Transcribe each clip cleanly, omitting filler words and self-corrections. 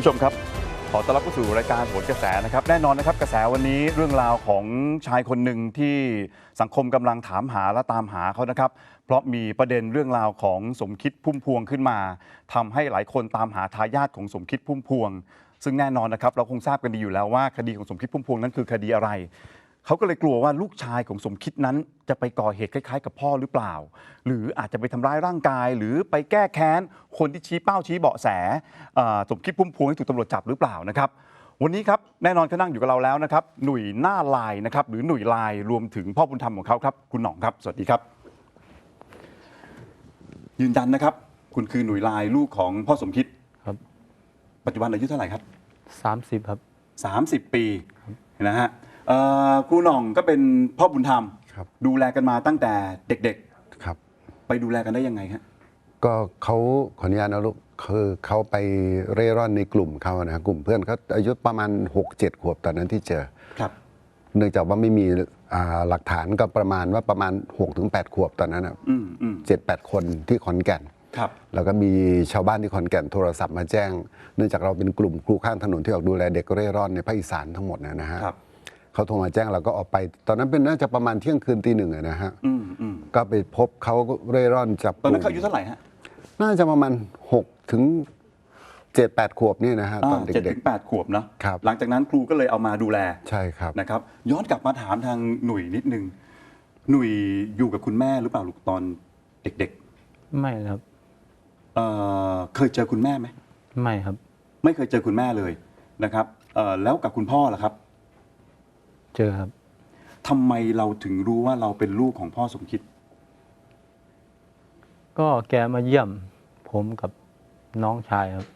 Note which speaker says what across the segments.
Speaker 1: ชมครับขอต้อนรับเข้าสู่รายการโหนกระแสนะครับแน่นอนนะครับกระแสวันนี้เรื่องราวของชายคนหนึ่งที่สังคมกำลังถามหาและตามหาเขานะครับเพราะมีประเด็นเรื่องราวของสมคิดพุ่มพวงขึ้นมาทำให้หลายคนตามหาทายาทของสมคิดพุ่มพวงซึ่งแน่นอนนะครับเราคงทราบกันดีอยู่แล้วว่าคดีของสมคิดพุ่มพวงนั้นคือคดีอะไรเขาก็เลยกลัวว่าลูกชายของสมคิดนั้นจะไปก่อเหตุคล้ายๆกับพ่อหรือเปล่าหรืออาจจะไปทำร้ายร่างกายหรือไปแก้แค้นคนที่ชี้เป้าชี้เบาะแสสมคิดพุ่มพวงที่ถูกตำรวจจับหรือเปล่านะครับวันนี้ครับแน่นอนเขานั่งอยู่กับเราแล้วนะครับหนุ่ยหน้าลายนะครับหรือหนุ่ยลายรวมถึงพ่อบุญธรรมของเขาครับคุณหน่องครับสวัสดีครับยืนยันนะครับคุณคือหนุ่ยลายลูกของพ่อสมคิด
Speaker 2: ครับ
Speaker 1: ปัจจุบันอายุเท่าไหร่ครับ
Speaker 2: 30ครับ
Speaker 1: 30 ปีนะฮะครูหน่องก็เป็นพ่อบุญธรรมดูแลกันมาตั้งแต่เด็ก
Speaker 3: ๆครับ
Speaker 1: ไปดูแลกันได้ยังไงฮะ
Speaker 3: ก็เขาขออนุญาตนะลูกคือเขาไปเร่ร่อนในกลุ่มเขานะกลุ่มเพื่อนเขาอายุประมาณ 6-7 ขวบตอนนั้นที่เจอ
Speaker 1: ครับ
Speaker 3: เนื่องจากว่าไม่มีหลักฐานก็ประมาณ 6-8 ขวบตอนนั้นนะ7-8 คนที่ขอนแก่น
Speaker 1: ครับ
Speaker 3: แล้วก็มีชาวบ้านที่ขอนแก่นโทรศัพท์มาแจ้งเนื่องจากเราเป็นกลุ่มครูข้างถนนที่ออกดูแลเด็กเร่ร่อนในภาคอีสานทั้งหมดนะฮะเขาโทรมาแจ้งเราก็ออกไปตอนนั้นเป็นน่าจะประมาณเที่ยงคืนตี 1นะฮะก็ไปพบเขาเร่ร่อนจับ
Speaker 1: ตอนนั้นเขาอายุเท่าไหร่ฮะ
Speaker 3: น่าจะประมาณ6-7-8 ขวบนี่นะฮะตอนเด็กๆ
Speaker 1: 7-8 ขวบนะครับหลังจากนั้นครูก็เลยเอามาดูแล
Speaker 3: ใช่ครับ
Speaker 1: นะครับย้อนกลับมาถามทางหนุ่ยนิดนึงหนุ่ยอยู่กับคุณแม่หรือเปล่าลูกตอนเด็ก
Speaker 2: ๆไม่ครับ
Speaker 1: เคยเจอคุณแม่ไหม
Speaker 2: ไม่ครับ
Speaker 1: ไม่เคยเจอคุณแม่เลยนะครับแล้วกับคุณพ่อล่ะครับ
Speaker 2: เจอครับ
Speaker 1: ทำไมเราถึงรู้ว่าเราเป็นลูกของพ่อสมคิด
Speaker 2: ก็แกมาเยี่ยมผมกับน้องชายครับ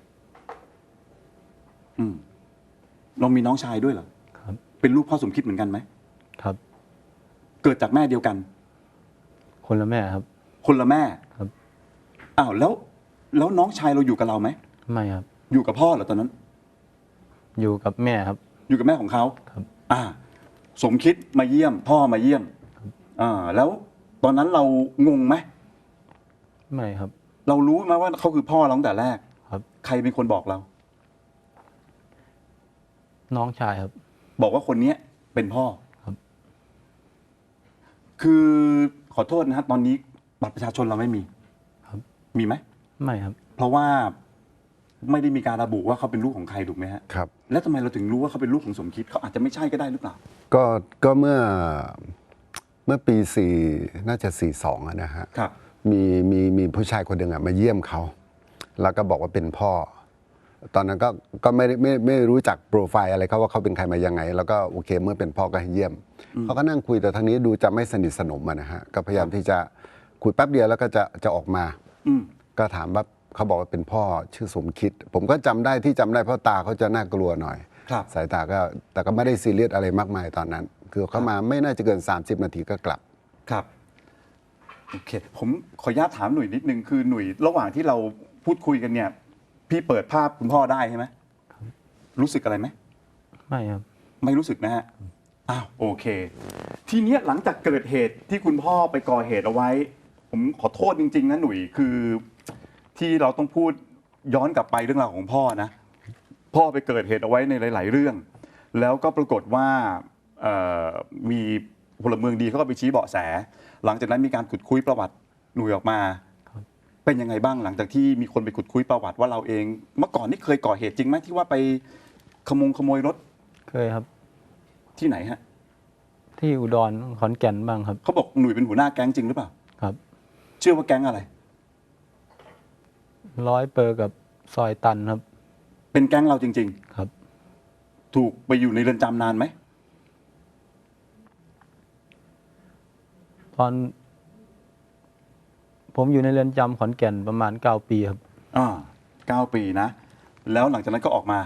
Speaker 1: เรามีน้องชายด้วยเหรอ
Speaker 2: ครับ
Speaker 1: เป็นลูกพ่อสมคิดเหมือนกันไหม
Speaker 2: ครับ
Speaker 1: เกิดจากแม่เดียวกัน
Speaker 2: คนละแม่ครับ
Speaker 1: คนละแม่
Speaker 2: ครับ
Speaker 1: อ้าวแล้วน้องชายเราอยู่กับเราไหม
Speaker 2: ไม่ครับ
Speaker 1: อยู่กับพ่อเหรอตอนนั้น
Speaker 2: อยู่กับแม่ครับ
Speaker 1: อยู่กับแม่ของเขา
Speaker 2: ครับ
Speaker 1: สมคิดมาเยี่ยมพ่อมาเยี่ยมแล้วตอนนั้นเรางงไหม
Speaker 2: ไม่ครับ
Speaker 1: เรารู้ไหมว่าเขาคือพ่อเราตั้งแต่แรก
Speaker 2: ครับ
Speaker 1: ใครเป็นคนบอกเรา
Speaker 2: น้องชายครับ
Speaker 1: บอกว่าคนนี้เป็นพ่อ
Speaker 2: ครับ
Speaker 1: คือขอโทษนะฮะตอนนี้บัตรประชาชนเราไม่มี
Speaker 2: ครับ
Speaker 1: มีไหม
Speaker 2: ไม่ครับ
Speaker 1: เพราะว่าไม่ได้มีการระบุว่าเขาเป็นลูกของใครถูกไหมฮะ
Speaker 3: ครับ
Speaker 1: แล้วทำไมเราถึงรู้ว่าเขาเป็นลูกของสมคิดเขาอาจจะไม่ใช่ก็ได้หรือเปล่า
Speaker 3: ก็เมื่อปี4น่าจะ42นะฮะ
Speaker 1: ครับ
Speaker 3: มีผู้ชายคนหนึ่งมาเยี่ยมเขาแล้วก็บอกว่าเป็นพ่อตอนนั้นก็ไม่รู้จักโปรไฟล์อะไรเขาว่าเขาเป็นใครมายังไงแล้วก็โอเคเมื่อเป็นพ่อก็ให้เยี่ยมเขาก็นั่งคุยแต่ทางนี้ดูจะไม่สนิทสนมนะฮะก็พยายามที่จะคุยแป๊บเดียวแล้วก็จะออกมาก็ถามว่าเขาบอกว่าเป็นพ่อชื่อสมคิดผมก็จำได้เพราะตาเขาจะน่ากลัวหน่อยสายตาก็แต่ก็ไม่ได้ซีเรียสอะไรมากมายตอนนั้นคือเขามาไม่น่าจะเกิน30 นาทีก็กลับ
Speaker 1: ครับโอเคผมขออนุญาตถามหนุ่ยนิดนึงคือหนุ่ยระหว่างที่เราพูดคุยกันเนี่ยพี่เปิดภาพคุณพ่อได้ใช่ไหมรู้สึกอะไรไหม
Speaker 2: ไม่ครับ
Speaker 1: ไม่รู้สึกนะฮะโอเคทีเนี้ยหลังจากเกิดเหตุที่คุณพ่อไปก่อเหตุเอาไว้ผมขอโทษจริงๆนะหนุ่ยคือที่เราต้องพูดย้อนกลับไปเรื่องราวของพ่อนะพ่อไปเกิดเหตุเอาไว้ในหลายๆเรื่องแล้วก็ปรากฏว่ามีพลเมืองดีเขาก็ไปชี้เบาะแสหลังจากนั้นมีการขุดคุยประวัติหนุ่ยออกมาเป็นยังไงบ้างหลังจากที่มีคนไปขุดคุยประวัติว่าเราเองเมื่อก่อนนี่เคยก่อเหตุจริงไหมที่ว่าไปขโมยรถ
Speaker 2: เคยครับ
Speaker 1: ที่ไหนฮะ
Speaker 2: ที่อุดรขอนแก่นบ้างครับ
Speaker 1: เขาบอกหนุ่ยเป็นหัวหน้าแก๊งจริงหรือเปล่า
Speaker 2: ครับ
Speaker 1: เชื่อว่าแก๊งอะไร
Speaker 2: 100%กับซอยตันครับ
Speaker 1: เป็นแก๊งเราจริง
Speaker 2: ๆครับ
Speaker 1: ถูกไปอยู่ในเรือนจำนานไหม
Speaker 2: ตอนผมอยู่ในเรือนจำขอนแก่นประมาณ9 ปีครับ
Speaker 1: 9 ปีนะแล้วหลังจากนั้นก็ออกมา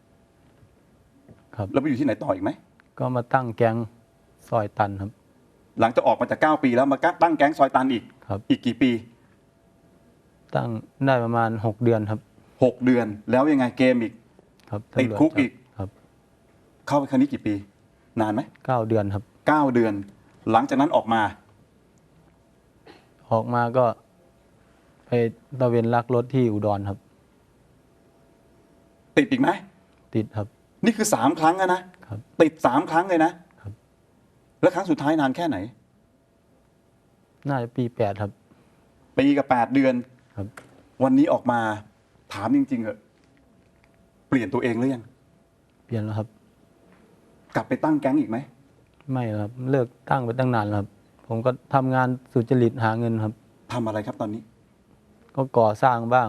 Speaker 2: ครับ
Speaker 1: แล้วไปอยู่ที่ไหนต่ออีกไหม
Speaker 2: ก็มาตั้งแก๊งซอยตันครับ
Speaker 1: หลังจากออกมาจาก9 ปีแล้วมาตั้งแก๊งซอยตันอีก
Speaker 2: ครับ
Speaker 1: อีกกี่ปี
Speaker 2: ตั้งได้ประมาณ6 เดือนครับ
Speaker 1: 6 เดือนแล้วยังไงเกมอีก
Speaker 2: ครับ
Speaker 1: ติดคุกอีก
Speaker 2: ครับ
Speaker 1: เข้าไปครั้งนี้กี่ปีนานไหม
Speaker 2: 9 เดือนครับ
Speaker 1: 9 เดือนหลังจากนั้นออกมา
Speaker 2: ก็ไปตะเวนลักรถที่อุดรครับ
Speaker 1: ตติดอีกไหม
Speaker 2: ติดครับ
Speaker 1: นี่คือ3 ครั้งแล้วนะครับ ติด3 ครั้งเลยนะครับ แล้วครั้งสุดท้ายนานแค่ไหน
Speaker 2: น่าจะปี8ครับ
Speaker 1: ปีกับ8 เดือน
Speaker 2: ครับ
Speaker 1: วันนี้ออกมาถามจริงๆเหอะเปลี่ยนตัวเองหรือยัง
Speaker 2: เปลี่ยนแล้วครับ
Speaker 1: กลับไปตั้งแก๊งอีกไหม
Speaker 2: ไม่ครับเลิกตั้งไปตั้งนานแล้วครับ ผมก็ทำงานสุจริตหาเงินครับ
Speaker 1: ทำอะไรครับตอนนี้
Speaker 2: ก็ก่อสร้างบ้าง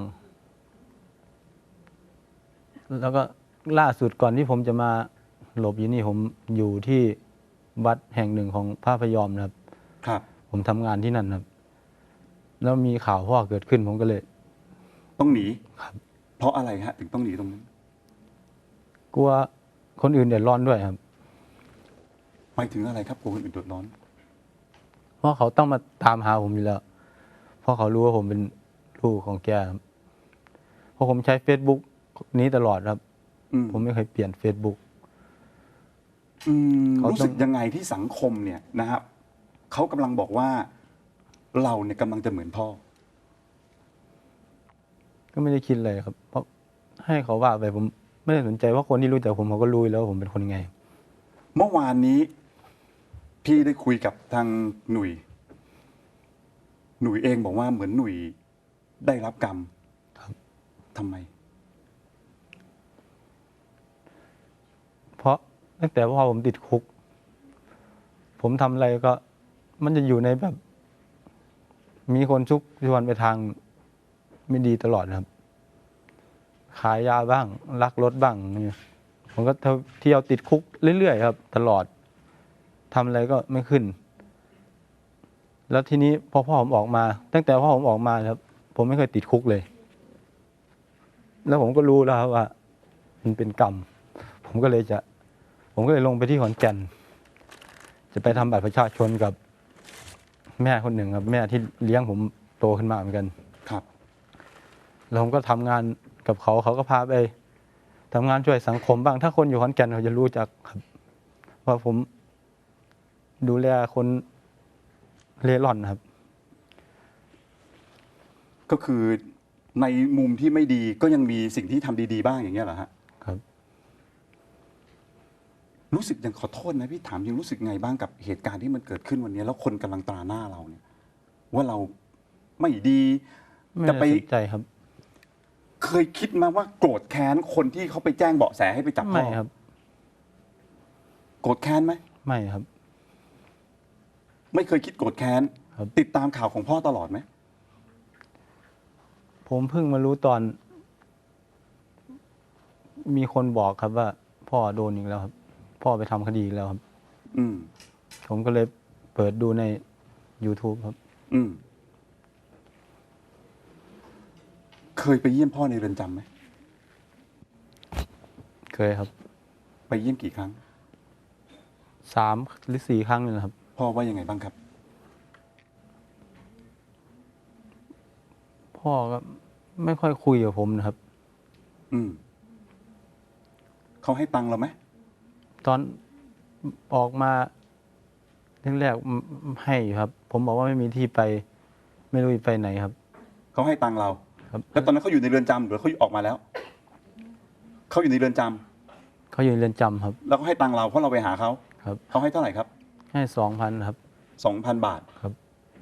Speaker 2: แล้วก็ล่าสุดก่อนที่ผมจะมาหลบอยู่นี่ผมอยู่ที่วัดแห่งหนึ่งของพระพยอมนะครับ
Speaker 1: ครับ
Speaker 2: ผมทำงานที่นั่นครับ แล้วมีข่าวพ่อเกิดขึ้นผมก็เลย
Speaker 1: ต้องหนี
Speaker 2: ครับ
Speaker 1: เพราะอะไรฮะ ถึงต้องหนีตรงนั้น
Speaker 2: กลัวคนอื่นเดือดร้อนด้วยครับ
Speaker 1: หมายถึงอะไรครับกลัวคนอื่นเดือดร้อน
Speaker 2: เพราะเขาต้องมาตามหาผมอยู่แล้ว เพราะเขารู้ว่าผมเป็นลูกของแกครับเพราะผมใช้ Facebook นี้ตลอดครับ
Speaker 1: อืม
Speaker 2: ผมไม่เคยเปลี่ยน Facebook เขาต้อง
Speaker 1: รู้สึกยังไงที่สังคมเนี่ยนะครับเขากำลังบอกว่าเราเนี่ยกำลังจะเหมือนพ่อ
Speaker 2: ก็ไม่ได้คิดเลยครับ เพราะให้เขาว่าไปผมไม่ได้สนใจว่าคนที่รู้จักผมเขาก็รู้อยู่แล้วว่าผมเป็นคนยังไง
Speaker 1: เมื่อวานนี้ พี่ได้คุยกับทางหนุ่ยเองบอกว่าเหมือนหนุ่ยได้รับกรรม
Speaker 2: ครับ
Speaker 1: ทำไม
Speaker 2: เพราะตั้งแต่พ่อผมติดคุก ผมทำอะไรก็ มันจะอยู่ในแบบ มีคนชุกชวนไปทางไม่ดีตลอดนะครับ ขายยาบ้างลักรถบ้างเนี่ยผมก็เที่ยวติดคุกเรื่อยๆครับ ตลอดทำอะไรก็ไม่ขึ้น แล้วทีนี้พอพ่อผมออกมา ตั้งแต่พ่อผมออกมาครับ ผมไม่เคยติดคุกเลย แล้วผมก็รู้แล้วครับว่า มันเป็นกรรม ผมก็เลยลงไปที่ขอนแก่น จะไปทำบัตรประชาชนกับแม่คนหนึ่งครับ แม่ที่เลี้ยงผมโตขึ้นมาเหมือนกัน
Speaker 1: ครับ
Speaker 2: แล้วผมก็ทำงานกับเขาก็พาไปทำงานช่วยสังคมบ้าง ถ้าคนอยู่ขอนแก่นเขาจะรู้จักครับว่าผมดูแลคนเร่ร่อนครับ
Speaker 1: ก็คือในมุมที่ไม่ดีก็ยังมีสิ่งที่ทำดีๆบ้างอย่างเงี้ยเหรอฮะ
Speaker 2: ครับ
Speaker 1: รู้สึกยังขอโทษนะพี่ถามยังรู้สึกไงบ้างกับเหตุการณ์ที่มันเกิดขึ้นวันนี้ แล้วคนกำลังตราหน้าเราเนี่ย ว่าเราไม่ดี
Speaker 2: ไม่
Speaker 1: จะ
Speaker 2: ได้
Speaker 1: ไป
Speaker 2: สนใจครับ
Speaker 1: เคยคิดมาว่าโกรธแค้นคนที่เขาไปแจ้งเบาะแสให้ไปจับพ่
Speaker 2: ไม่
Speaker 1: อ
Speaker 2: ครับ
Speaker 1: โกรธแค้นไหม
Speaker 2: ไม่ครับ
Speaker 1: ไม่เคยคิดโกรธแค้น
Speaker 2: ครับ
Speaker 1: ติดตามข่าวของพ่อตลอดไหม
Speaker 2: ผมเพิ่งมารู้ตอน มีคนบอกครับว่า พ่อโดนอีกแล้วครับ พ่อไปทำคดีอีกแล้วครับ
Speaker 1: อืม
Speaker 2: ผมก็เลยเปิดดูใน YouTube ครับ
Speaker 1: อืม เคยไปเยี่ยมพ่อในเรือนจำไหม
Speaker 2: เคยครับ
Speaker 1: ไปเยี่ยมกี่ครั้ง
Speaker 2: 3 หรือ 4 ครั้งนี่แหละครับ
Speaker 1: พ่อว่ายังไงบ้างครับ
Speaker 2: พ่อก็ไม่ค่อยคุยกับผมนะครับ
Speaker 1: อืม เขาให้ตังค์เราไหม
Speaker 2: ตอนออกมาแรกๆให้อยู่ครับ ผมบอกว่าไม่มีที่ไป ไม่รู้จะไปไหนครับ
Speaker 1: เขาให้ตังค์เรา
Speaker 2: ครับ
Speaker 1: แล้วตอนนั้นเขาอยู่ในเรือนจำหรือเขาออกมาแล้ว เขาอยู่ในเรือนจำ
Speaker 2: เขาอยู่ในเรือนจำครับ
Speaker 1: แล้วก็ให้ตังค์เราเพราะเราไปหาเขา
Speaker 2: ครับ
Speaker 1: เขาให้เท่าไหร่ครับ
Speaker 2: ให้2,000ครับ
Speaker 1: 2,000 บาท
Speaker 2: ครับ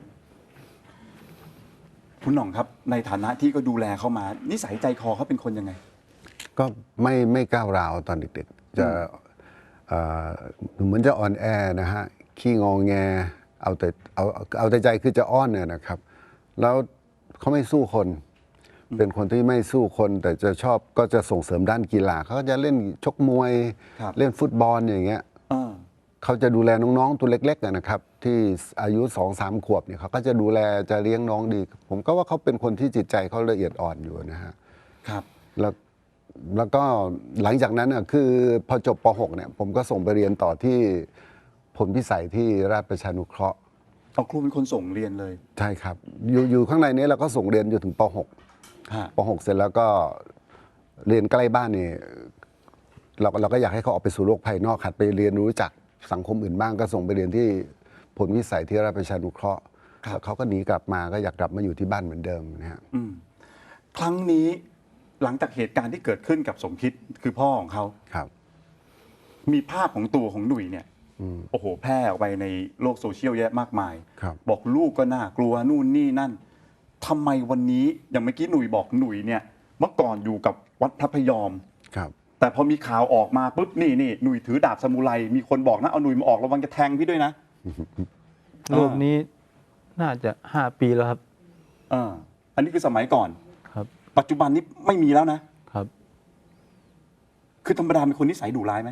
Speaker 1: คุณหน่องครับ ในฐานะที่ก็ดูแลเขามา นิสัยใจคอเขาเป็นคนยังไง
Speaker 3: ก็ไม่ก้าวร้าวตอนเด็กๆ จะเอ่อเหมือนจะอ่อนแอนะฮะขี้งองแงเอาแต่ใจคือจะอ้อนเนี่ยนะครับ แล้วเขาไม่สู้คน เป็นคนที่ไม่สู้คน แต่จะชอบก็จะส่งเสริมด้านกีฬาเขาก็จะเล่นชกมวย
Speaker 1: ครับ
Speaker 3: เล่นฟุตบอลอย่างเงี้ย
Speaker 1: อ่า
Speaker 3: เขาจะดูแลน้องๆตัวเล็กๆนะครับ ที่อายุ 2-3 ขวบเนี่ยเขาก็จะดูแลจะเลี้ยงน้องดี ผมก็ว่าเขาเป็นคนที่จิตใจเขาละเอียดอ่อนอยู่นะฮะ
Speaker 1: ครับ
Speaker 3: แล้วก็หลังจากนั้นน่ะคือพอจบป .6 เนี่ยผมก็ส่งไปเรียนต่อที่ผลพิสัยที่ราชประชานุเคราะห์
Speaker 1: เอาครูเป็นคนส่งเรียนเลย
Speaker 3: ใช่ครับอยู่ข้างในนี้เราก็ส่งเรียนอยู่ถึงป .6
Speaker 1: ฮะ
Speaker 3: ป .6 เสร็จแล้วก็เรียนใกล้บ้านนี่เราก็อยากให้เขาออกไปสู่โลกภายนอกหัดไปเรียนรู้จักสังคมอื่นบ้างก็ส่งไปเรียนที่ผลวิสัยที่ราชประชานุเคราะห์
Speaker 1: ครับ
Speaker 3: แล้วเขาก็หนีกลับมาก็อยากกลับมาอยู่ที่บ้านเหมือนเดิมนะฮะ
Speaker 1: ครั้งนี้หลังจากเหตุการณ์ที่เกิดขึ้นกับสมคิดคือพ่อของเขา
Speaker 3: ครับ
Speaker 1: มีภาพของตัวของหนุ่ยเนี่ย
Speaker 3: อืม
Speaker 1: โอ้โหแพร่ออกไปในโลกโซเชียลเยอะมากมาย
Speaker 3: ครับ
Speaker 1: บอกลูกก็น่ากลัวนู่นนี่นั่นทำไมวันนี้อย่างเมื่อกี้หนุ่ยบอกหนุ่ยเนี่ยเมื่อก่อนอยู่กับวัดพระพยอม
Speaker 3: ครับ
Speaker 1: แต่พอมีข่าวออกมาปุ๊บนี่หนุ่ยถือดาบซามูไรมีคนบอกนะเอาหนุ่ยมาออกระวังจะแทงพี่ด้วยนะ
Speaker 2: รูปนี้น่าจะ5 ปีแล้วครับ
Speaker 1: อันนี้คือสมัยก่อน
Speaker 2: ครับ
Speaker 1: ปัจจุบันนี้ไม่มีแล้วนะ
Speaker 2: ครับ
Speaker 1: คือธรรมดาเป็นคนนิสัยดุร้ายไหม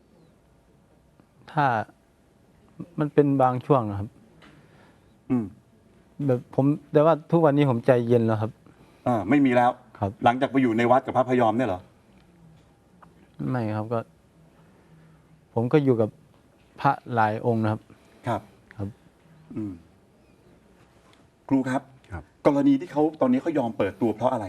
Speaker 2: ถ้ามันเป็นบางช่วงนะครับ
Speaker 1: อืม
Speaker 2: แบบผมแต่ว่าทุกวันนี้ผมใจเย็นแล้วครับ
Speaker 1: ไม่มีแล้ว
Speaker 2: ครับ
Speaker 1: หลังจากไปอยู่ในวัดกับพระพยอมเนี่ยเหรอ
Speaker 2: ไม่ครับก็ ผมก็อยู่กับพระหลายองค์นะครับ
Speaker 1: ครับ
Speaker 2: ครับ
Speaker 1: อืมครูครับ
Speaker 3: ครับ
Speaker 1: กรณีที่เขาตอนนี้เขายอมเปิดตัวเพราะอะไร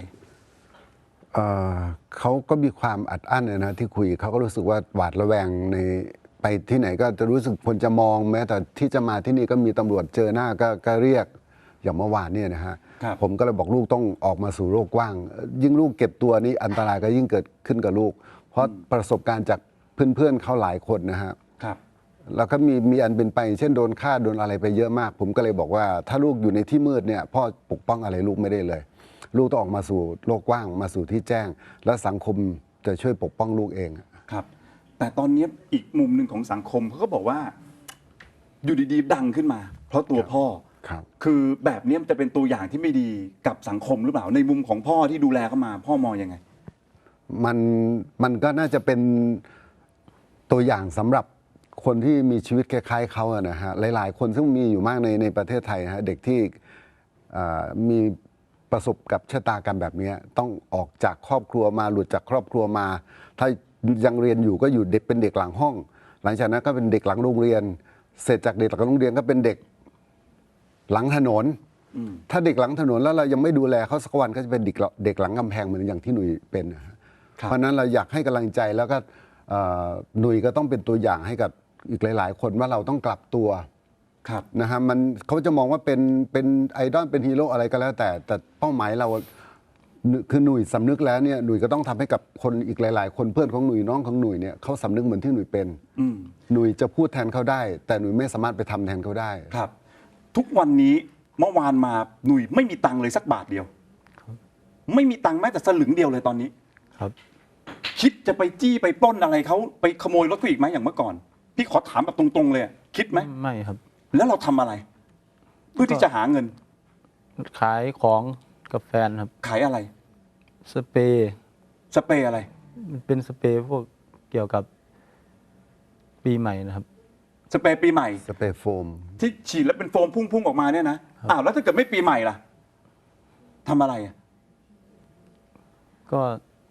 Speaker 3: เขาก็มีความอัดอั้นนะที่คุยเขาก็รู้สึกว่าหวาดระแวงในไปที่ไหนก็จะรู้สึกคนจะมองแม้แต่ที่จะมาที่นี่ก็มีตำรวจเจอหน้าก็เรียกอย่างเมื่อวานเนี่ยนะฮะ
Speaker 1: ครับ
Speaker 3: ผมก็เลยบอกลูกต้องออกมาสู่โลกกว้าง ยิ่งลูกเก็บตัวนี้อันตรายก็ยิ่งเกิดขึ้นกับลูก เพราะประสบการณ์จากเพื่อนๆเขาหลายคนนะฮะ
Speaker 1: ครับ
Speaker 3: แล้วก็มีอันเป็นไปเช่นโดนฆ่าโดนอะไรไปเยอะมาก ผมก็เลยบอกว่าถ้าลูกอยู่ในที่มืดเนี่ยพ่อปกป้องอะไรลูกไม่ได้เลย ลูกต้องออกมาสู่โลกกว้างมาสู่ที่แจ้ง และสังคมจะช่วยปกป้องลูกเอง
Speaker 1: ครับ แต่ตอนนี้อีกมุมหนึ่งของสังคมเขาก็บอกว่า อยู่ดีๆดังขึ้นมา เพราะตัวพ่อ
Speaker 3: ครับ
Speaker 1: คือแบบนี้มันจะเป็นตัวอย่างที่ไม่ดีกับสังคมหรือเปล่าในมุมของพ่อที่ดูแลเขามา พ่อมองยังไง
Speaker 3: มันก็น่าจะเป็นตัวอย่างสำหรับคนที่มีชีวิตคล้ายๆเขาอะนะฮะหลายๆ คนซึ่งมีอยู่มากในประเทศไทยนะฮะเด็กที่มีประสบกับชะตากรรมแบบนี้ต้องออกจากครอบครัวมาหลุดจากครอบครัวมา ถ้ายังเรียนอยู่ก็อยู่เด็กเป็นเด็กหลังห้อง หลังจากนั้นก็เป็นเด็กหลังโรงเรียน เสร็จจากเด็กหลังโรงเรียนก็เป็นเด็กหลังถนน ถ้าเด็กหลังถนนแล้วเรายังไม่ดูแลเขาสักวันก็จะเป็นเด็กหลังกำแพงเหมือนอย่างที่หนุ่ยเป็นนะฮะ
Speaker 1: ครับ
Speaker 3: เพราะฉะนั้นเราอยากให้กำลังใจแล้วก็หนุ่ยก็ต้องเป็นตัวอย่างให้กับอีกหลาย ๆ คนว่าเราต้องกลับตัว
Speaker 1: ครับ
Speaker 3: นะฮะมันเขาจะมองว่าเป็นไอดอลเป็นฮีโร่อะไรก็แล้วแต่เป้าหมายเราคือหนุ่ยสำนึกแล้วเนี่ยหนุ่ยก็ต้องทำให้กับคนอีกหลาย ๆ คนเพื่อนของหนุ่ยน้องของหนุ่ยเนี่ยเขาสำนึกเหมือนที่หนุ่ยเป็น
Speaker 1: อืม
Speaker 3: หนุ่ยจะพูดแทนเขาได้ แต่หนุ่ยไม่สามารถไปทำแทนเขาได้
Speaker 1: ครับ ทุกวันนี้เมื่อวานมาหนุ่ยไม่มีตังค์เลยสักบาทเดียว ไม่มีตังค์แม้แต่สลึงเดียวเลยตอนนี้
Speaker 2: ครับ
Speaker 1: คิดจะไปจี้ไปปล้นอะไรเขาไปขโมยรถเขาอีกไหมอย่างเมื่อก่อน พี่ขอถามแบบตรงๆเลยอะคิดไหม
Speaker 2: ไม่ครับ
Speaker 1: แล้วเราทำอะไร เพื่อที่จะหาเงิน
Speaker 2: ขายของกับแฟนครับ
Speaker 1: ขายอะไร
Speaker 2: สเปรย์
Speaker 1: สเปรย์อะไร
Speaker 2: มันเป็นสเปรย์พวกเกี่ยวกับปีใหม่นะครับ
Speaker 1: สเปรย์ปีใหม่
Speaker 3: สเปรย์โฟม
Speaker 1: ที่ฉีดแล้วเป็นโฟมพุ่งๆออกมาเนี่ยนะอ้าวแล้วถ้าเกิดไม่ปีใหม่ล่ะทำอะไรอะ
Speaker 2: ก็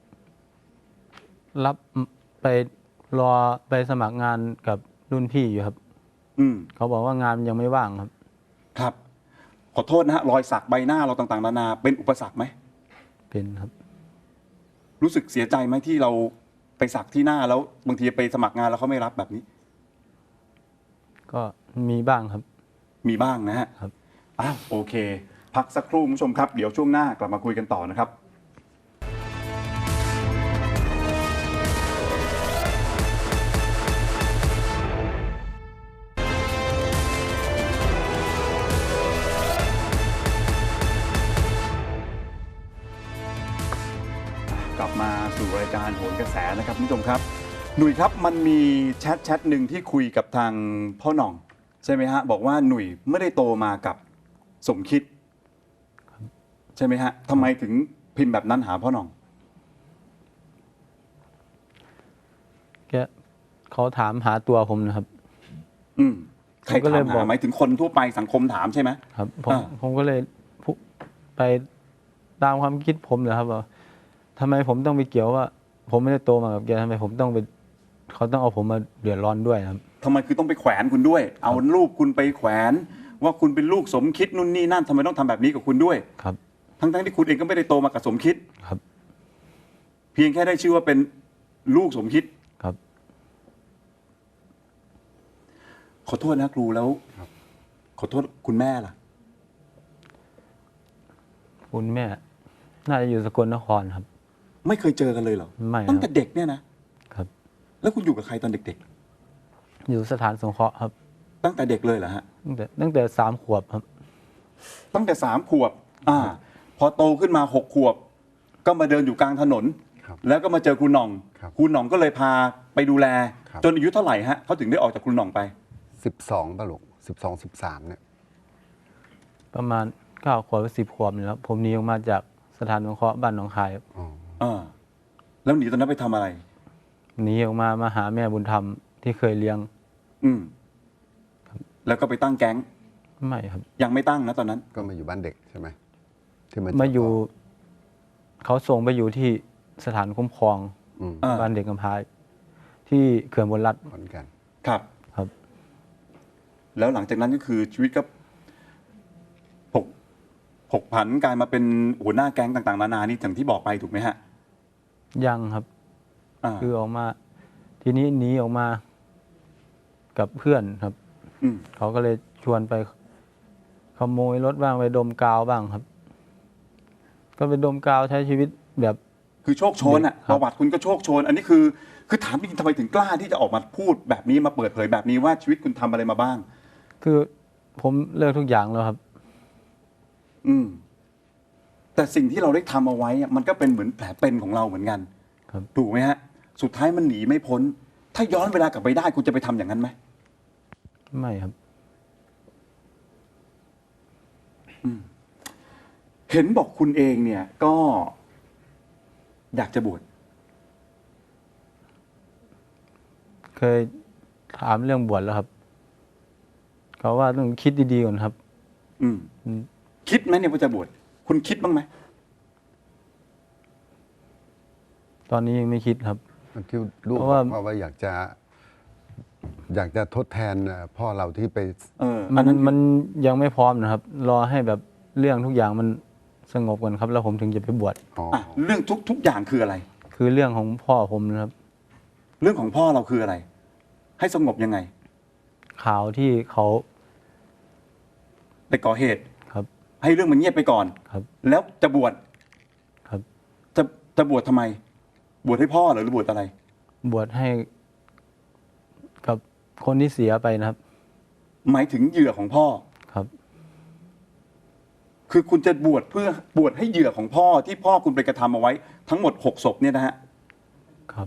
Speaker 2: รับไปรอไปสมัครงานกับรุ่นพี่อยู่ครับ
Speaker 1: อืม
Speaker 2: เขาบอกว่างานยังไม่ว่างครับ
Speaker 1: ครับ ขอโทษนะฮะรอยสักใบหน้าเราต่างๆนานาเป็นอุปสรรคไหม
Speaker 2: เป็นครับ
Speaker 1: รู้สึกเสียใจไหมที่เราไปสักที่หน้าแล้วบางทีไปสมัครงานแล้วเขาไม่รับแบบนี้
Speaker 2: ก็มีบ้างครับ
Speaker 1: มีบ้างนะฮะ
Speaker 2: ครับ
Speaker 1: อ้าวโอเค พักสักครู่คุณผู้ชมครับ เดี๋ยวช่วงหน้ากลับมาคุยกันต่อนะครับ กลับมาสู่รายการโหนกระแสนะครับคุณผู้ชมครับ หนุ่ยครับมันมีแชทหนึ่งที่คุยกับทางพ่อหน่อง ใช่ไหมฮะบอกว่าหนุ่ยไม่ได้โตมากับสมคิด ใช่ไหมฮะทำไมถึงพิมพ์แบบนั้นหาพ่อหน่อง
Speaker 2: เขาถามหาตัวผมนะครับ
Speaker 1: อืมใคร
Speaker 2: ผมก็เลย
Speaker 1: ถาม
Speaker 2: บอ
Speaker 1: หาก หมายถึงคนทั่วไปสังคมถามใช่ไหม
Speaker 2: ครับ
Speaker 1: อ่า
Speaker 2: ผมก็เลยไปตามความคิดผมเลยครับว่าทำไมผมต้องไปเกี่ยวว่า ผมไม่ได้โตมากับแกทำไมผมต้องไปเขาต้องเอาผมมาเดือดร้อนด้วยครับ
Speaker 1: ทำไมคือต้องไปแขวนคุณด้วย เอารูปคุณไปแขวน ว่าคุณเป็นลูกสมคิดนู่นนี่นั่นทำไมต้องทำแบบนี้กับคุณด้วย
Speaker 2: ครับ
Speaker 1: ทั้งที่คุณเองก็ไม่ได้โตมากับสมคิด
Speaker 2: ครับ
Speaker 1: เพียงแค่ได้ชื่อว่าเป็นลูกสมคิด
Speaker 2: ครับ
Speaker 1: ขอโทษนะครูแล้วขอโทษคุณแม่ล่ะ
Speaker 2: คุณแม่ น่าจะอยู่สกลนครครับ
Speaker 1: ไม่เคยเจอกันเลยเหรอ
Speaker 2: ไม่ครับ
Speaker 1: ตั้งแต่เด็กเนี่ยนะครับ แล้วคุณอยู่กับใครตอนเด็ก
Speaker 2: อยู่สถานสงเคราะห์ครับ
Speaker 1: ๆ ตั้งแต่เด็กเลยเหรอฮะ
Speaker 2: ตั้งแต่3 ขวบครับ
Speaker 1: ตั้งแต่3 ขวบพอโตขึ้นมา6 ขวบ ก็มาเดินอยู่กลางถนน
Speaker 3: ครับ
Speaker 1: แล้วก็มาเจอครูหน่อง
Speaker 3: ครับ
Speaker 1: ครูหน่องก็เลยพาไปดูแล
Speaker 3: ครับ
Speaker 1: จนอายุเท่าไหร่ฮะเขาถึงได้ออกจากครูหน่องไป
Speaker 3: 12ป่ะลูก12 13เนี่ย
Speaker 2: ประมาณ9 ขวบหรือ10 ขวบนี่ครับผมหนีออกมาจากสถานสงเคราะห์บ้านหนองคายครับ
Speaker 1: แล้วหนีตอนนั้นไปทำอะไร
Speaker 2: หนีออกมาหาแม่บุญธรรมที่เคยเลี้ยง
Speaker 1: อืมแล้วก็ไปตั้งแก๊ง
Speaker 2: ไม่ครับ
Speaker 1: ยังไม่ตั้งนะตอนนั้น
Speaker 3: ก็มาอยู่บ้านเด็กใช่ไหมที่
Speaker 2: มาอยู่เขาส่งไปอยู่ที่สถานคุ้มครอง
Speaker 3: อืม
Speaker 1: อ่า
Speaker 2: บ้านเด็กกำพร้าที่เขื่อนบนรัฐ
Speaker 3: ขอนแก่น
Speaker 1: ครับ
Speaker 2: ครับ
Speaker 1: แล้วหลังจากนั้นก็คือชีวิตก็ผกผันกลายมาเป็นหัวหน้าแก๊งต่างๆนานานี่อย่างที่บอกไปถูกไหมฮะ
Speaker 2: ยังครับ
Speaker 1: อ่า
Speaker 2: คือออกมา ทีนี้หนีออกมากับเพื่อนครับ
Speaker 1: อืม
Speaker 2: เขาก็เลยชวนไปขโมยรถบ้างไปดมกาวบ้างครับ ก็ไปดมกาวใช้ชีวิตแบบ
Speaker 1: คือโชคโชนอ่ะ
Speaker 2: ค
Speaker 1: ป
Speaker 2: รับ
Speaker 1: ระวัติคุณก็โชคโชน อันนี้คือถามจริงๆทำไมถึงกล้าที่จะออกมาพูดแบบนี้มาเปิดเผยแบบนี้ว่าชีวิตคุณทำอะไรมาบ้าง
Speaker 2: คือผมเลิกทุกอย่างแล้วครับ
Speaker 1: อืม แต่สิ่งที่เราได้ทำเอาไว้อะมันก็เป็นเหมือนแผลเป็นของเราเหมือนกัน
Speaker 2: ครับ
Speaker 1: ถูกไหมฮะ สุดท้ายมันหนีไม่พ้น ถ้าย้อนเวลากลับไปได้คุณจะไปทำอย่างนั้นไหม
Speaker 2: ไม่ครับ
Speaker 1: เห็นบอกคุณเองเนี่ยก็อยากจะบวช
Speaker 2: เคยถามเรื่องบวชแล้วครับ เขาว่าต้องคิดดีๆก่อนครับ
Speaker 1: อืม คิดไหมเนี่ยว่าจะบวชคุณคิดบ้างไหม
Speaker 2: ตอนนี้ยังไม่คิดครับ
Speaker 3: ที่ลูก
Speaker 2: เพ
Speaker 3: บ
Speaker 2: ราะว่า
Speaker 3: อกว่าอยากจะทดแทนพ่อเราที่ไป
Speaker 2: มันยังไม่พร้อมนะครับ รอให้แบบเรื่องทุกอย่างมันสงบก่อนครับ แล้วผมถึงจะไปบวช
Speaker 1: เรื่องทุกอย่างคืออะไร
Speaker 2: คือเรื่องของพ่อผมนะครับ
Speaker 1: เรื่องของพ่อเราคืออะไร ให้สงบยังไง
Speaker 2: ข่าวที่เขา
Speaker 1: ไปก่อเหตุ
Speaker 2: ครับ
Speaker 1: ให้เรื่องมันเงียบไปก่อน
Speaker 2: ครับ
Speaker 1: แล้วจะบวช
Speaker 2: ครับ
Speaker 1: จะบวชทำไม บวชให้พ่อเหรอหรือบวชอะไร
Speaker 2: บวชให้กับคนที่เสียไปนะครับ
Speaker 1: หมายถึงเหยื่อของพ่อ
Speaker 2: ครับ
Speaker 1: คือคุณจะบวชเพื่อบวชให้เหยื่อของพ่อที่พ่อคุณไปกระทำเอาไว้ ทั้งหมด6 ศพเนี่ยนะฮะ
Speaker 2: ครับ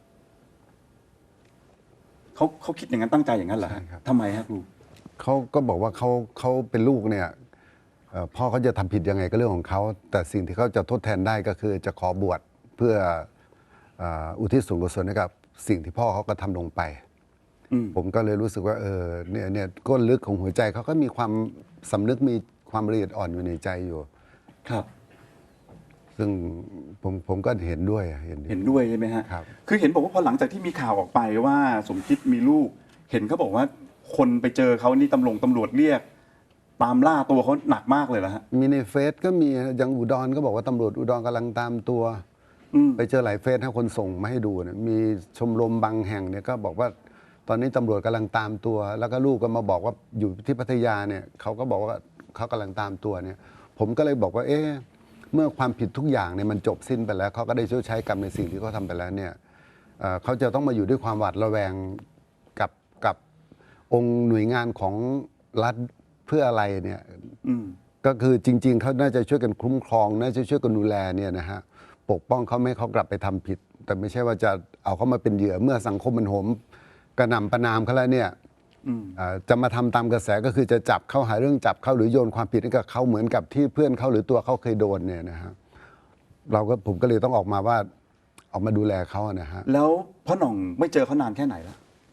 Speaker 1: เขาคิดอย่างนั้นตั้งใจอย่างนั้นเหรอ
Speaker 3: ใช่ครับ
Speaker 1: ทำไมฮะครู
Speaker 3: เขาก็บอกว่าเขาเป็นลูกเนี่ยพ่อเขาจะทำผิดยังไงก็เรื่องของเขา แต่สิ่งที่เขาจะทดแทนได้ก็คือจะขอบวชเพื่ออุทิศส่วนกุศลให้กับสิ่งที่พ่อเขาก็ทำลงไป
Speaker 1: อืม
Speaker 3: ผมก็เลยรู้สึกว่าเนี่ยก้นลึกของหัวใจเขาก็มีความสำนึกมีความละเอียดอ่อนอยู่ในใจอยู่
Speaker 1: ครับ
Speaker 3: ซึ่งผมก็เห็นด้วยเห็น
Speaker 1: เห็นด้วยใช่ไหมฮะ
Speaker 3: ครับ
Speaker 1: คือเห็นบอกว่าพอหลังจากที่มีข่าวออกไปว่าสมคิดมีลูก เห็นเขาบอกว่าคนไปเจอเขานี่ตำรวจเรียก ตามล่าตัวเขาหนักมากเลยเหรอฮะ
Speaker 3: มีในเฟซก็มีอย่างอุดรก็บอกว่าตำรวจอุดรกำลังตามตัว
Speaker 1: อืม
Speaker 3: ไปเจอหลายเฟซให้คนส่งมาให้ดูเนี่ยมีชมรมบางแห่งเนี่ยก็บอกว่าตอนนี้ตำรวจกำลังตามตัว แล้วก็ลูกก็มาบอกว่าอยู่ที่พัทยาเนี่ยเขาก็บอกว่าเขากำลังตามตัวเนี่ย ผมก็เลยบอกว่าเมื่อความผิดทุกอย่างเนี่ยมันจบสิ้นไปแล้วเขาก็ได้ชดใช้กรรมในสิ่งที่เขาทำไปแล้วเนี่ยเขาจะต้องมาอยู่ด้วยความหวาดระแวงกับองค์หน่วยงานของรัฐเพื่ออะไรเนี่ย
Speaker 1: อืม
Speaker 3: ก็คือจริง ๆเขาน่าจะช่วยกันคุ้มครองน่าจะช่วยกันดูแลเนี่ยนะฮะปกป้องเขาไม่ให้เขากลับไปทำผิด แต่ไม่ใช่ว่าจะเอาเขามาเป็นเหยื่อเมื่อสังคมมันโหมกระหน่ำประนามเขาแล้วเนี่ย
Speaker 1: อืม
Speaker 3: จะมาทำตามกระแสก็คือจะจับเขาหาเรื่องจับเขาหรือโยนความผิดให้กับเขาเหมือนกับที่เพื่อนเขาหรือตัวเขาเคยโดนเนี่ยนะฮะผมก็เลยต้องออกมาว่าออกมาดูแลเขานะฮะ
Speaker 1: แล้วพ่อหน่องไม่เจอเขานานแค่ไหนแล้ว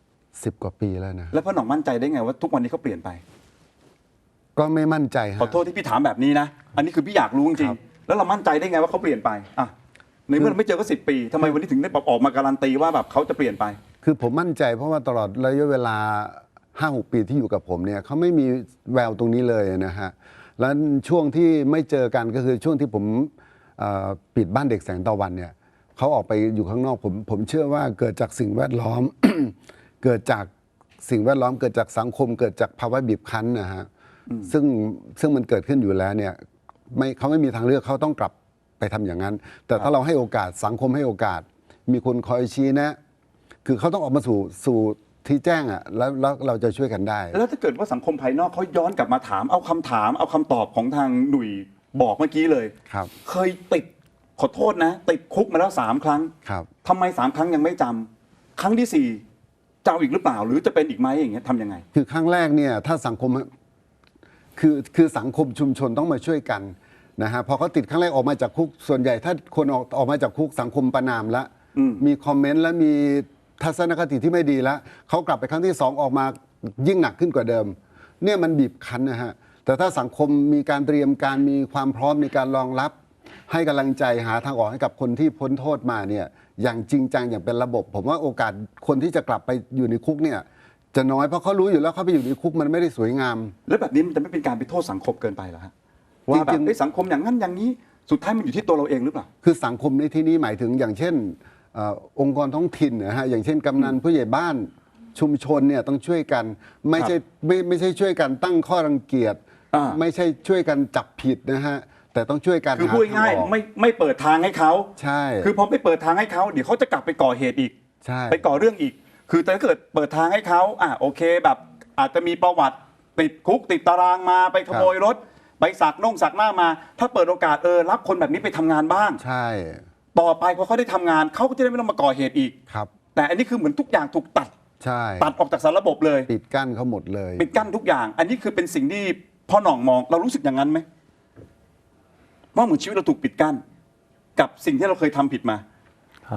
Speaker 3: 10 กว่าปีแล้วนะ
Speaker 1: แล้วพ่อหน่องมั่นใจได้ไงว่าทุกวันนี้เขาเปลี่ยนไป
Speaker 3: ก็ไม่มั่นใจฮะ
Speaker 1: ขอโทษที่พี่ถามแบบนี้นะ อันนี้คือพี่อยากรู้จริ
Speaker 3: ค
Speaker 1: ง
Speaker 3: รับ
Speaker 1: ๆแล้วเรามั่นใจได้ไงว่าเขาเปลี่ยนไปอ่ะในเมื่อเราไม่เจอก็10 ปีทำไมวันนี้ถึงได้แบบออกมาการันตีว่าแบบเขาจะเปลี่ยนไป
Speaker 3: คือผมมั่นใจเพราะว่าตลอดระยะเวลา 5-6 ปีที่อยู่กับผมเนี่ยเขาไม่มีแววตรงนี้เลยนะฮะ แล้วช่วงที่ไม่เจอกันก็คือช่วงที่ผมปิดบ้านเด็กแสงตะวันเนี่ยเขาออกไปอยู่ข้างนอกผมเชื่อว่าเกิดจากสิ่งแวดล้อม เกิดจากสิ่งแวดล้อมเกิดจากสังคม เกิดจากภาวะบีบคั้นนะฮะซึ่งมันเกิดขึ้นอยู่แล้วเนี่ยเขาไม่มีทางเลือกเขาต้องกลับไปทำอย่างนั้น แต่ถ้าเราให้โอกาสสังคมให้โอกาส มีคนคอยชี้แนะ คือเขาต้องออกมาสู่ที่แจ้งอ่ะแล้วเราจะช่วยกันได้
Speaker 1: แล้วถ้าเกิดว่าสังคมภายนอกเขาย้อนกลับมาถามเอาคำถามเอาคำตอบของทางหนุ่ยบอกเมื่อกี้เลย
Speaker 3: ครับ
Speaker 1: เคยติดขอโทษนะ ติดคุกมาแล้ว3 ครั้ง
Speaker 3: ครับ
Speaker 1: ทำไม3 ครั้งยังไม่จำครั้งที่4จะเอาอีกหรือเปล่า หรือจะเป็นอีกไหมอย่างเงี้ยทำยังไง
Speaker 3: คือครั้งแรกเนี่ยถ้าสังคมคือสังคมชุมชนต้องมาช่วยกันนะฮะพอเขาติดครั้งแรกออกมาจากคุกส่วนใหญ่ถ้าคนออกมาจากคุกสังคมประนามแล้ว มีคอมเมนต์และมีทัศนคติที่ไม่ดีแล้วเขากลับไปครั้งที่2ออกมายิ่งหนักขึ้นกว่าเดิม เนี่ยมันบีบคั้นนะฮะแต่ถ้าสังคมมีการเตรียมการมีความพร้อมในการรองรับ ให้กำลังใจหาทางออกให้กับคนที่พ้นโทษมาเนี่ยอย่างจริงจังอย่างเป็นระบบ ผมว่าโอกาสคนที่จะกลับไปอยู่ในคุกเนี่ยจะน้อยเพราะเขารู้อยู่แล้วเขาไปอยู่ในคุกมันไม่ได้สวยงาม
Speaker 1: แล้วแบบนี้มันจะไม่เป็นการไปโทษสังคมเกินไปเหรอฮะว่าแบบ
Speaker 3: จริงๆ
Speaker 1: เอ้ยสังคมอย่างนั้นอย่างนี้สุดท้ายมันอยู่ที่ตัวเราเองหรือเปล่า
Speaker 3: คือสังคมในที่นี้หมายถึงอย่างเช่นองค์กรท้องถิ่นนะฮะอย่างเช่นกำนันผู้ใหญ่บ้านชุมชนเนี่ยต้องช่วยกันไม่ใช่ช่วยกันตั้งข้อรังเกียจ
Speaker 1: อ่า
Speaker 3: ไม่ใช่ช่วยกันจับผิดนะฮะแต่ต้องช่วยกัน
Speaker 1: คือ
Speaker 3: หา
Speaker 1: พูดง่าย
Speaker 3: ทงออก
Speaker 1: ไม่เปิดทางให้เขา
Speaker 3: ใช่
Speaker 1: คือพอไม่เปิดทางให้เขาเดี๋ยวเขาจะกลับไปก่อเหตุอีก
Speaker 3: ใช่
Speaker 1: ไปก่อเรื่องอีก คือถ้าเกิดเปิดทางให้เขาโอเคแบบอาจจะมีประวัติติดคุกติดตารางมาไปขโมยรถ ไปสักหน้ามา ถ้าเปิดโอกาสรับคนแบบนี้ไปทำงานบ้าง
Speaker 3: ใช่
Speaker 1: ต่อไปพอเขาได้ทำงานเขาก็จะได้ไม่ต้องมาก่อเหตุอีก
Speaker 3: ครับ
Speaker 1: แต่อันนี้คือเหมือนทุกอย่างถูกตัด
Speaker 3: ใช่
Speaker 1: ตัดออกจากสารระบบเลย
Speaker 3: ปิดกั้นเขาหมดเลย
Speaker 1: ปิดกั้นทุกอย่าง อันนี้คือเป็นสิ่งที่พ่อหน่องมองเรารู้สึกอย่างนั้นไหมว่าเหมือนชีวิตเราถูกปิดกั้น กับสิ่งที่เราเคยทำผิดมา
Speaker 2: ครับ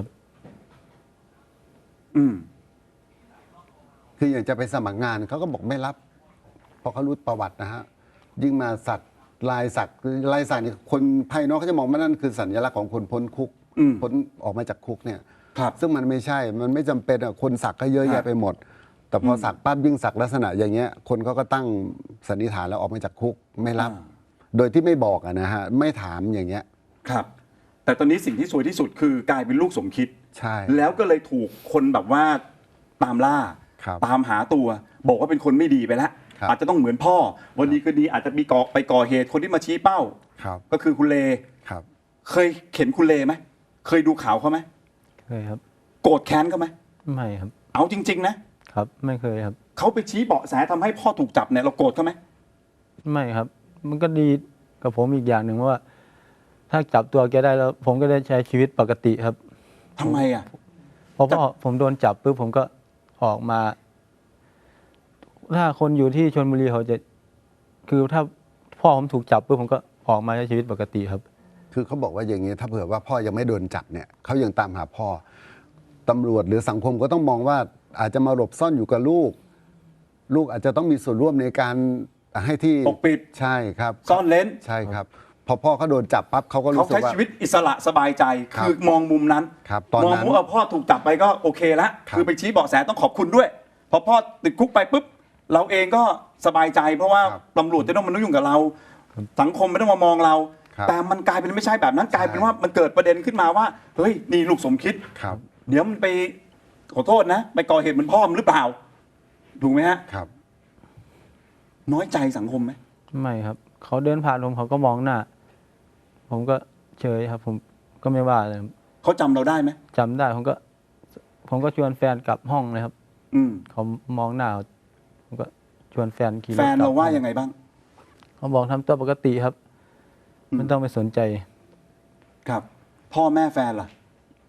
Speaker 1: อืม
Speaker 3: คืออย่างจะไปสมัครงานเขาก็บอกไม่รับ เพราะเขารู้ประวัตินะฮะยิ่งมาสักลายสักนี่คนภายนอกเขาจะมองว่านั่นคือสัญลักษณ์ของคนพ้นคุก
Speaker 1: อืม
Speaker 3: พ้นออกมาจากคุกเนี่ย
Speaker 1: ครับ
Speaker 3: ซึ่งมันไม่ใช่ มันไม่จำเป็นอะคนสักก็เยอะ
Speaker 1: ครั
Speaker 3: แยะ
Speaker 1: บ
Speaker 3: ไปหมด แต่พอสักปั๊บยิ่งสักลักษณะอย่างเงี้ย คนเขาก็ตั้งสันนิษฐานแล้วออกมาจากคุกไม่รับ โดยที่ไม่บอกอะนะฮะไม่ถามอย่างเงี้ย
Speaker 1: ครับ แต่ตอนนี้สิ่งที่สวยที่สุดคือกลายเป็นลูกสมคิด
Speaker 3: ใช่
Speaker 1: แล้วก็เลยถูกคนแบบว่าตามล่า
Speaker 3: ครับ
Speaker 1: ตามหาตัว บอกว่าเป็นคนไม่ดีไปแล้ว
Speaker 3: ครับ
Speaker 1: อาจจะต้องเหมือนพ่อ วันนี้คืนดีอาจจะมีไปก่อเหตุคนที่มาชี้เป้า
Speaker 3: ครับ
Speaker 1: ก็คือคุณเล
Speaker 3: ครับ
Speaker 1: เคยเห็นคุณเลไหมเคยดูข่าวเขาไหม
Speaker 2: เคยครับ
Speaker 1: โกรธแค้นเขาไหม
Speaker 2: ไม่ครับ
Speaker 1: เอาจริง ๆ นะครับ
Speaker 2: ไม่เคยครับ
Speaker 1: เขาไปชี้เบาะแสทำให้พ่อถูกจับเนี่ยเราโกรธเขาไหม
Speaker 2: ไม่ครับ มันก็ดีกับผมอีกอย่างหนึ่งว่า ถ้าจับตัวแกได้แล้ว ผมก็ได้ใช้ชีวิตปกติครับ
Speaker 1: ทำไมอ่ะ
Speaker 2: เพราะพ่อผมโดนจับปุ๊บผมก็ออกมา ถ้าคนอยู่ที่ชลบุรีเขาจะ คือถ้าพ่อผมถูกจับปุ๊บผมก็ออกมาใช้ชีวิตปกติครับ
Speaker 3: คือเขาบอกว่าอย่างนี้ถ้าเผื่อว่าพ่อยังไม่โดนจับเนี่ยเขายังตามหาพ่อตำรวจหรือสังคมก็ต้องมองว่าอาจจะมาหลบซ่อนอยู่กับลูก ลูกอาจจะต้องมีส่วนร่วมในการให้ที่
Speaker 1: ปกปิด
Speaker 3: ใช่ครับ
Speaker 1: ซ่อนเลน
Speaker 3: ใช่ครับ พอพ่อเขาโดนจับปั๊บเขาก็
Speaker 1: เขา
Speaker 3: รู้สึก
Speaker 1: ใช้
Speaker 3: ว่า
Speaker 1: ชีวิตอิสระสบายใจ
Speaker 3: ครับ
Speaker 1: คือมองมุมนั้น
Speaker 3: ครับตอน
Speaker 1: มอง
Speaker 3: นั้น
Speaker 1: ว่าพ่อถูกจับไปก็โอเคแล้ว
Speaker 3: ครับ
Speaker 1: คือไปชี้เบาะแสต้องขอบคุณด้วย พอพ่อติดคุกไปปุ๊บเราเองก็สบายใจ เพราะว่า
Speaker 3: ครับ
Speaker 1: ตำรวจจะต้องมายุ่งกับเรา สังคมไม่ต้องมามองเรา
Speaker 3: ครับ
Speaker 1: แต่มันกลายเป็นไม่ใช่แบบนั้นกลายเป็นว่ามันเกิดประเด็นขึ้นมาว่าเฮ้ยนี่ลูกสมคิด
Speaker 3: ครับ
Speaker 1: เดี๋ยวมันไปขอโทษนะ ไปก่อเหตุเหมือนพ่อมันหรือเปล่า ถูกไหมฮะ
Speaker 3: ครับ
Speaker 1: น้อยใจสังคมไหม
Speaker 2: ไม่ครับ เขาเดินผ่านผมเขาก็มองหน้า ผมก็เฉยครับ ผมก็ไม่ว่าเลยครับ
Speaker 1: เขาจำเราได้ไหม
Speaker 2: จำได้ผมก็ชวนแฟนกลับห้องเลยครับ
Speaker 1: อืม
Speaker 2: เขามองหน้าผมก็ชวนแฟนขี่รถ
Speaker 1: แฟนเราว่า
Speaker 2: กลับห้อ
Speaker 1: ยังไงบ้าง
Speaker 2: เขาบอกทำตัวปกติครับ
Speaker 1: อืม
Speaker 2: ไม่ต้องไปสนใจ
Speaker 1: ครับ พ่อแม่แฟนล่ะ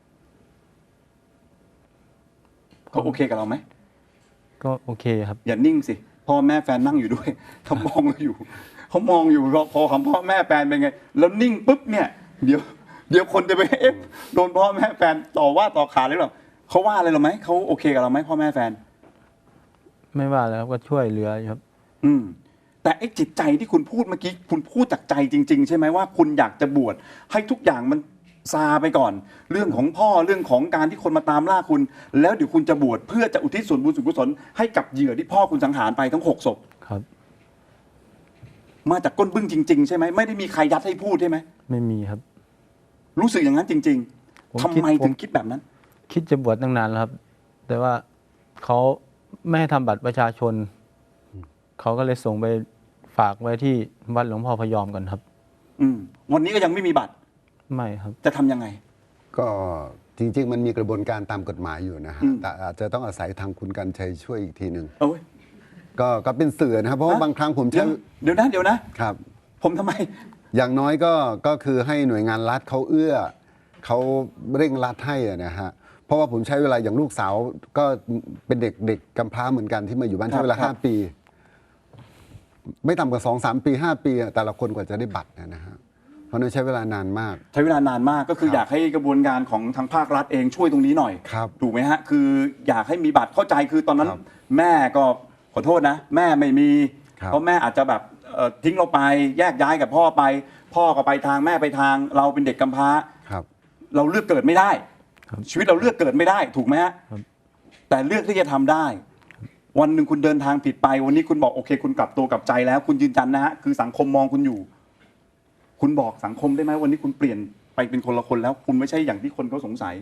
Speaker 1: เขาโอเคกับเราไหม
Speaker 2: ก็โอเคครับ
Speaker 1: อย่านิ่งสิ พ่อแม่แฟนนั่งอยู่ด้วย เขามองเราอยู่เขามองอยู่พอคำพ่อแม่แฟนเป็นไง แล้วนิ่งปุ๊บเนี่ยเดี๋ยวคนจะไปโดนพ่อแม่แฟนต่อว่าต่อขานหรือเปล่าเขาว่าอะไรเราไหมเขาโอเคกับเราไหมพ่อแม่แฟน
Speaker 2: ไม่ว่าแล้วครับก็ช่วยเหลืออยู่ครับ
Speaker 1: อืมแต่ไอ้จิตใจที่คุณพูดเมื่อกี้คุณพูดจากใจจริง ๆ ใช่ไหมว่าคุณอยากจะบวชให้ทุกอย่างมันซาไปก่อน เรื่องของพ่อเรื่องของการที่คนมาตามล่าคุณ แล้วเดี๋ยวคุณจะบวชเพื่อจะอุทิศส่วนบุญส่วนกุศลให้กับเหยื่อที่พ่อคุณสังหารไปทั้ง6 ศพ
Speaker 2: ครับ
Speaker 1: มาจากก้นบึ้งจริง ๆ ใช่ไหมไม่ได้มีใครยัดให้พูดใช่ไหม
Speaker 2: ไม่มีครับ
Speaker 1: รู้สึกอย่างนั้นจริง
Speaker 2: ผม
Speaker 1: ๆทำ
Speaker 2: คิด
Speaker 1: ไมถึงคิดแบบนั้น
Speaker 2: คิดจะบวชตั้งนานแล้วครับ แต่ว่าเขาไม่ให้ทำบัตรประชาชน เขาก็เลยส่งไปฝากไว้ที่วัดหลวงพ่อพยอมก่อนครับ
Speaker 1: วันนี้ก็ยังไม่มีบัตร
Speaker 2: ไม่ครับ
Speaker 1: จะทำยังไง
Speaker 3: ก็จริง ๆ มันมีกระบวนการตามกฎหมายอยู่นะฮะ แต่อาจจะต้องอาศัยทางคุณกรรชัยช่วยอีกทีหนึ่ง
Speaker 1: โอ้ย
Speaker 3: ก็เป็นสื่อนะครับ เพราะว่าบางครั้งผม
Speaker 1: เดี๋
Speaker 3: ใช้
Speaker 1: ยวเดี๋ยวนะ
Speaker 3: ครับ
Speaker 1: ผมทำไม
Speaker 3: อย่างน้อยก็คือให้หน่วยงานรัฐเขาเอื้อเขาเร่งรัดให้อะนะฮะเพราะว่าผมใช้เวลาอย่างลูกสาวก็เป็นเด็กกำพร้าเหมือนกันที่มาอยู่บ้าน
Speaker 1: ครับ
Speaker 3: ใช้เวลา
Speaker 1: ครับ
Speaker 3: 5 ปี ไม่ต่ำกว่า2-3 ปี 5 ปีอะแต่ละคนกว่าจะได้บัตรนะฮะเพราะนั้นใช้เวลานานมาก
Speaker 1: ใช้เวลานานมากก็คือ
Speaker 3: ครับ
Speaker 1: อยากให้กระบวนการของทางภาครัฐเองช่วยตรงนี้หน่อย
Speaker 3: ครับ
Speaker 1: ถูกไหมฮะคืออยากให้มีบัตรเข้าใจคือตอนนั้น
Speaker 3: ครับ
Speaker 1: แม่ก็ขอโทษนะ แม่ไม่มี
Speaker 3: ครับ
Speaker 1: เพราะแม่อาจจะแบบทิ้งเราไปแยกย้ายกับพ่อไป พ่อก็ไปทางแม่ไปทาง เราเป็นเด็กกำพร้า
Speaker 3: ครับ
Speaker 1: เราเลือกเกิดไม่ได้
Speaker 2: ครับ
Speaker 1: ชีวิตเราเลือกเกิดไม่ได้ถูกไหมฮะ
Speaker 2: ครับ
Speaker 1: แต่เลือกที่จะทำได้ วันหนึ่งคุณเดินทางผิดไป วันนี้คุณบอกโอเค คุณกลับตัวกลับใจแล้ว คุณยืนยันนะฮะคือสังคมมองคุณอยู่ คุณบอกสังคมได้ไหมวันนี้คุณเปลี่ยนไปเป็นคนละคนแล้ว คุณไม่ใช่อย่างที่คนเขาสงสัย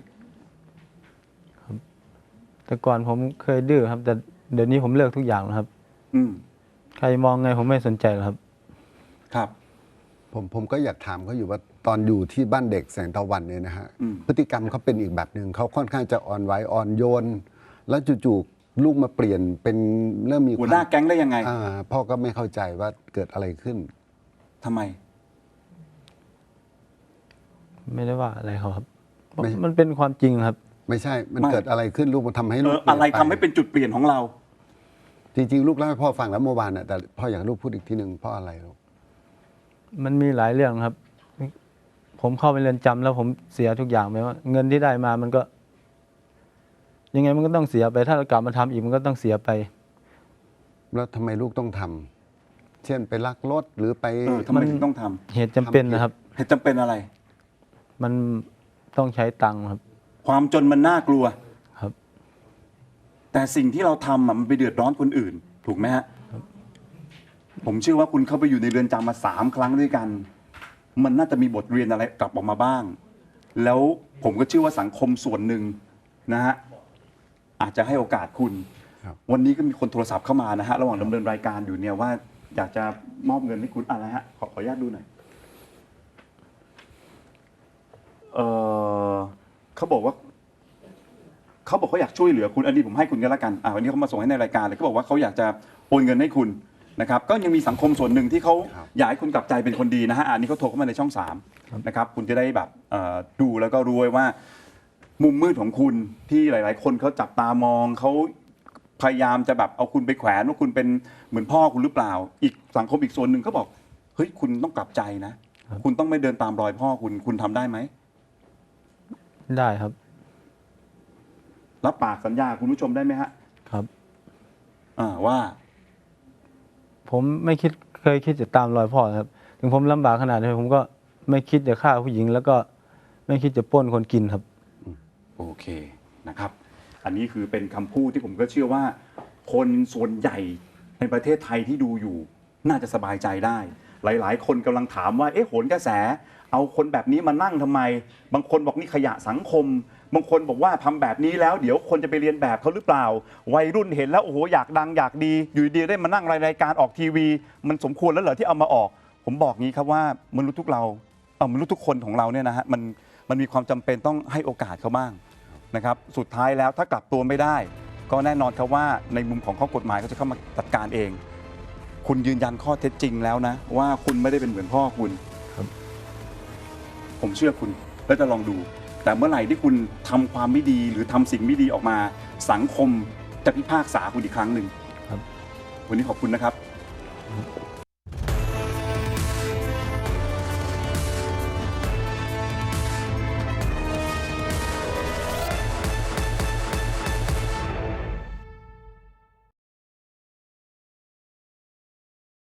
Speaker 2: แต่ก่อนผมเคยดื้อครับ แต่เดี๋ยวนี้ผมเลิกทุกอย่างแล้วครับ
Speaker 1: อืม
Speaker 2: ใครมองไงผมไม่สนใจหรอกครับ
Speaker 1: ครับ
Speaker 3: ผมก็อยากถามเขาอยู่ว่าตอนอยู่ที่บ้านเด็กแสงตะวันเนี่ยนะฮะ
Speaker 1: อืม
Speaker 3: พฤติกรรมเขาเป็นอีกแบบหนึ่งเขาค่อนข้างจะอ่อนไหวอ่อนโยน แล้วจู่ๆลูกมาเปลี่ยนเป็นเริ่มมี
Speaker 1: หัวหน้าแก๊งได้ยังไง
Speaker 3: พ่อก็ไม่เข้าใจว่าเกิดอะไรขึ้น
Speaker 1: ทำไม
Speaker 2: ไม่ได้ว่าอะไรเขาครับ
Speaker 3: ไม่
Speaker 2: มันเป็นความจริงครับ
Speaker 3: ไม่ใช่มัน
Speaker 1: ไม่
Speaker 3: เกิดอะไรขึ้นลูกมันทำให้ลูก
Speaker 1: อะไร
Speaker 3: ปลี่ย
Speaker 1: ทำให้เป็นจุดเปลี่ยนของเรา
Speaker 3: จริงๆลูกเล่าให้พ่อฟังแล้วเมื่อวานน่ะแต่พ่ออยากให้ลูกพูดอีกทีหนึ่งเพ่ออะไรลูก
Speaker 2: มันมีหลายเรื่องครับ ผมเข้าไปเรือนจำแล้วผมเสียทุกอย่างไปว่า เงินที่ได้มามันก็ ยังไงมันก็ต้องเสียไป ถ้าเรากลับมาทำอีกมันก็ต้องเสียไป
Speaker 3: แล้วทำไมลูกต้องทำเช่นไปลักรถหรือไป
Speaker 1: ทำไมถึงต้องทำ
Speaker 2: เหตุจำเป็นนะครับ
Speaker 1: เหตุจำเป็นอะไร
Speaker 2: มันต้องใช้ตังค์ครับ
Speaker 1: ความจนมันน่ากลัว
Speaker 2: ครับ
Speaker 1: แต่สิ่งที่เราทำมันไปเดือดร้อนคนอื่น ถูกไหมฮะ ผมเชื่อว่าคุณเข้าไปอยู่ในเรือนจำมา3 ครั้งด้วยกัน มันน่าจะมีบทเรียนอะไรกลับออกมาบ้าง แล้วผมก็เชื่อว่าสังคมส่วนหนึ่งนะฮะอาจจะให้โอกาสคุณ
Speaker 3: ครับ
Speaker 1: วันนี้ก็มีคนโทรศัพท์เข้ามานะฮะระหว่างดำเนินรายการอยู่เนี่ยว่าอยากจะมอบเงินให้คุณอะไรฮะขออนุญาตดูหน่อยเขาบอกว่าเขาอยากช่วยเหลือคุณอันนี้ผมให้คุณก็แล้วกันวันนี้เขามาส่งให้ในรายการเลยเขาบอกว่าเขาอยากจะโอนเงินให้คุณนะครับ ก็ยังมีสังคมส่วนหนึ่งที่เขา
Speaker 3: ครับ
Speaker 1: อยากให้คุณกลับใจเป็นคนดีนะฮะอันนี้เขาโทรเข้ามาในช่อง3นะครับคุณจะได้แบบดูแล้วก็รู้ไว้ว่า มุมมืดของคุณที่หลาย ๆ คนเขาจับตามองเขาพยายามจะแบบเอาคุณไปแขวนว่าคุณเป็นเหมือนพ่อคุณหรือเปล่า อีกสังคมอีกส่วนหนึ่งเขาบอกเฮ้ยคุณต้องกลับใจนะ คุณต้องไม่เดินตามรอยพ่อคุณทำได้ไหม
Speaker 2: ได้ครับ
Speaker 1: รับปากสัญญาคุณผู้ชมได้ไหมฮะ
Speaker 2: ครับ
Speaker 1: ว่า
Speaker 2: ผมไม่เคยคิดจะตามรอยพ่อครับ ถึงผมลำบากขนาดนี้ผมก็ไม่คิดจะฆ่าผู้หญิง แล้วก็ไม่คิดจะปล้นคนกินครับ
Speaker 1: โอเคนะครับ อันนี้คือเป็นคำพูดที่ผมก็เชื่อว่า คนส่วนใหญ่ในประเทศไทยที่ดูอยู่ น่าจะสบายใจได้ หลาย ๆ คนกำลังถามว่าโหนกระแส เอาคนแบบนี้มานั่งทำไม บางคนบอกนี่ขยะสังคม บางคนบอกว่าทำแบบนี้แล้วเดี๋ยวคนจะไปเรียนแบบเขาหรือเปล่า วัยรุ่นเห็นแล้วโอ้โหอยากดังอยากดี อยู่ดีได้มานั่งรายการออกทีวี มันสมควรแล้วเหรอที่เอามาออก ผมบอกงี้ครับว่ามนุษย์ทุกคนของเราเนี่ยนะฮะมันมีความจำเป็นต้องให้โอกาสเขาบ้างนะครับสุดท้ายแล้วถ้ากลับตัวไม่ได้ ก็แน่นอนครับว่าในมุมของข้อกฎหมายก็จะเข้ามาจัดการเอง คุณยืนยันข้อเท็จจริงแล้วนะ ว่าคุณไม่ได้เป็นเหมือนพ่อคุณ
Speaker 2: ครับ
Speaker 1: ผมเชื่อคุณแล้วจะลองดู แต่เมื่อไหร่ที่คุณทำความไม่ดีหรือทำสิ่งไม่ดีออกมา สังคมจะพิพากษาคุณอีกครั้งหนึ่ง
Speaker 2: ครับ
Speaker 1: วันนี้ขอบคุณนะครับ
Speaker 2: ครับ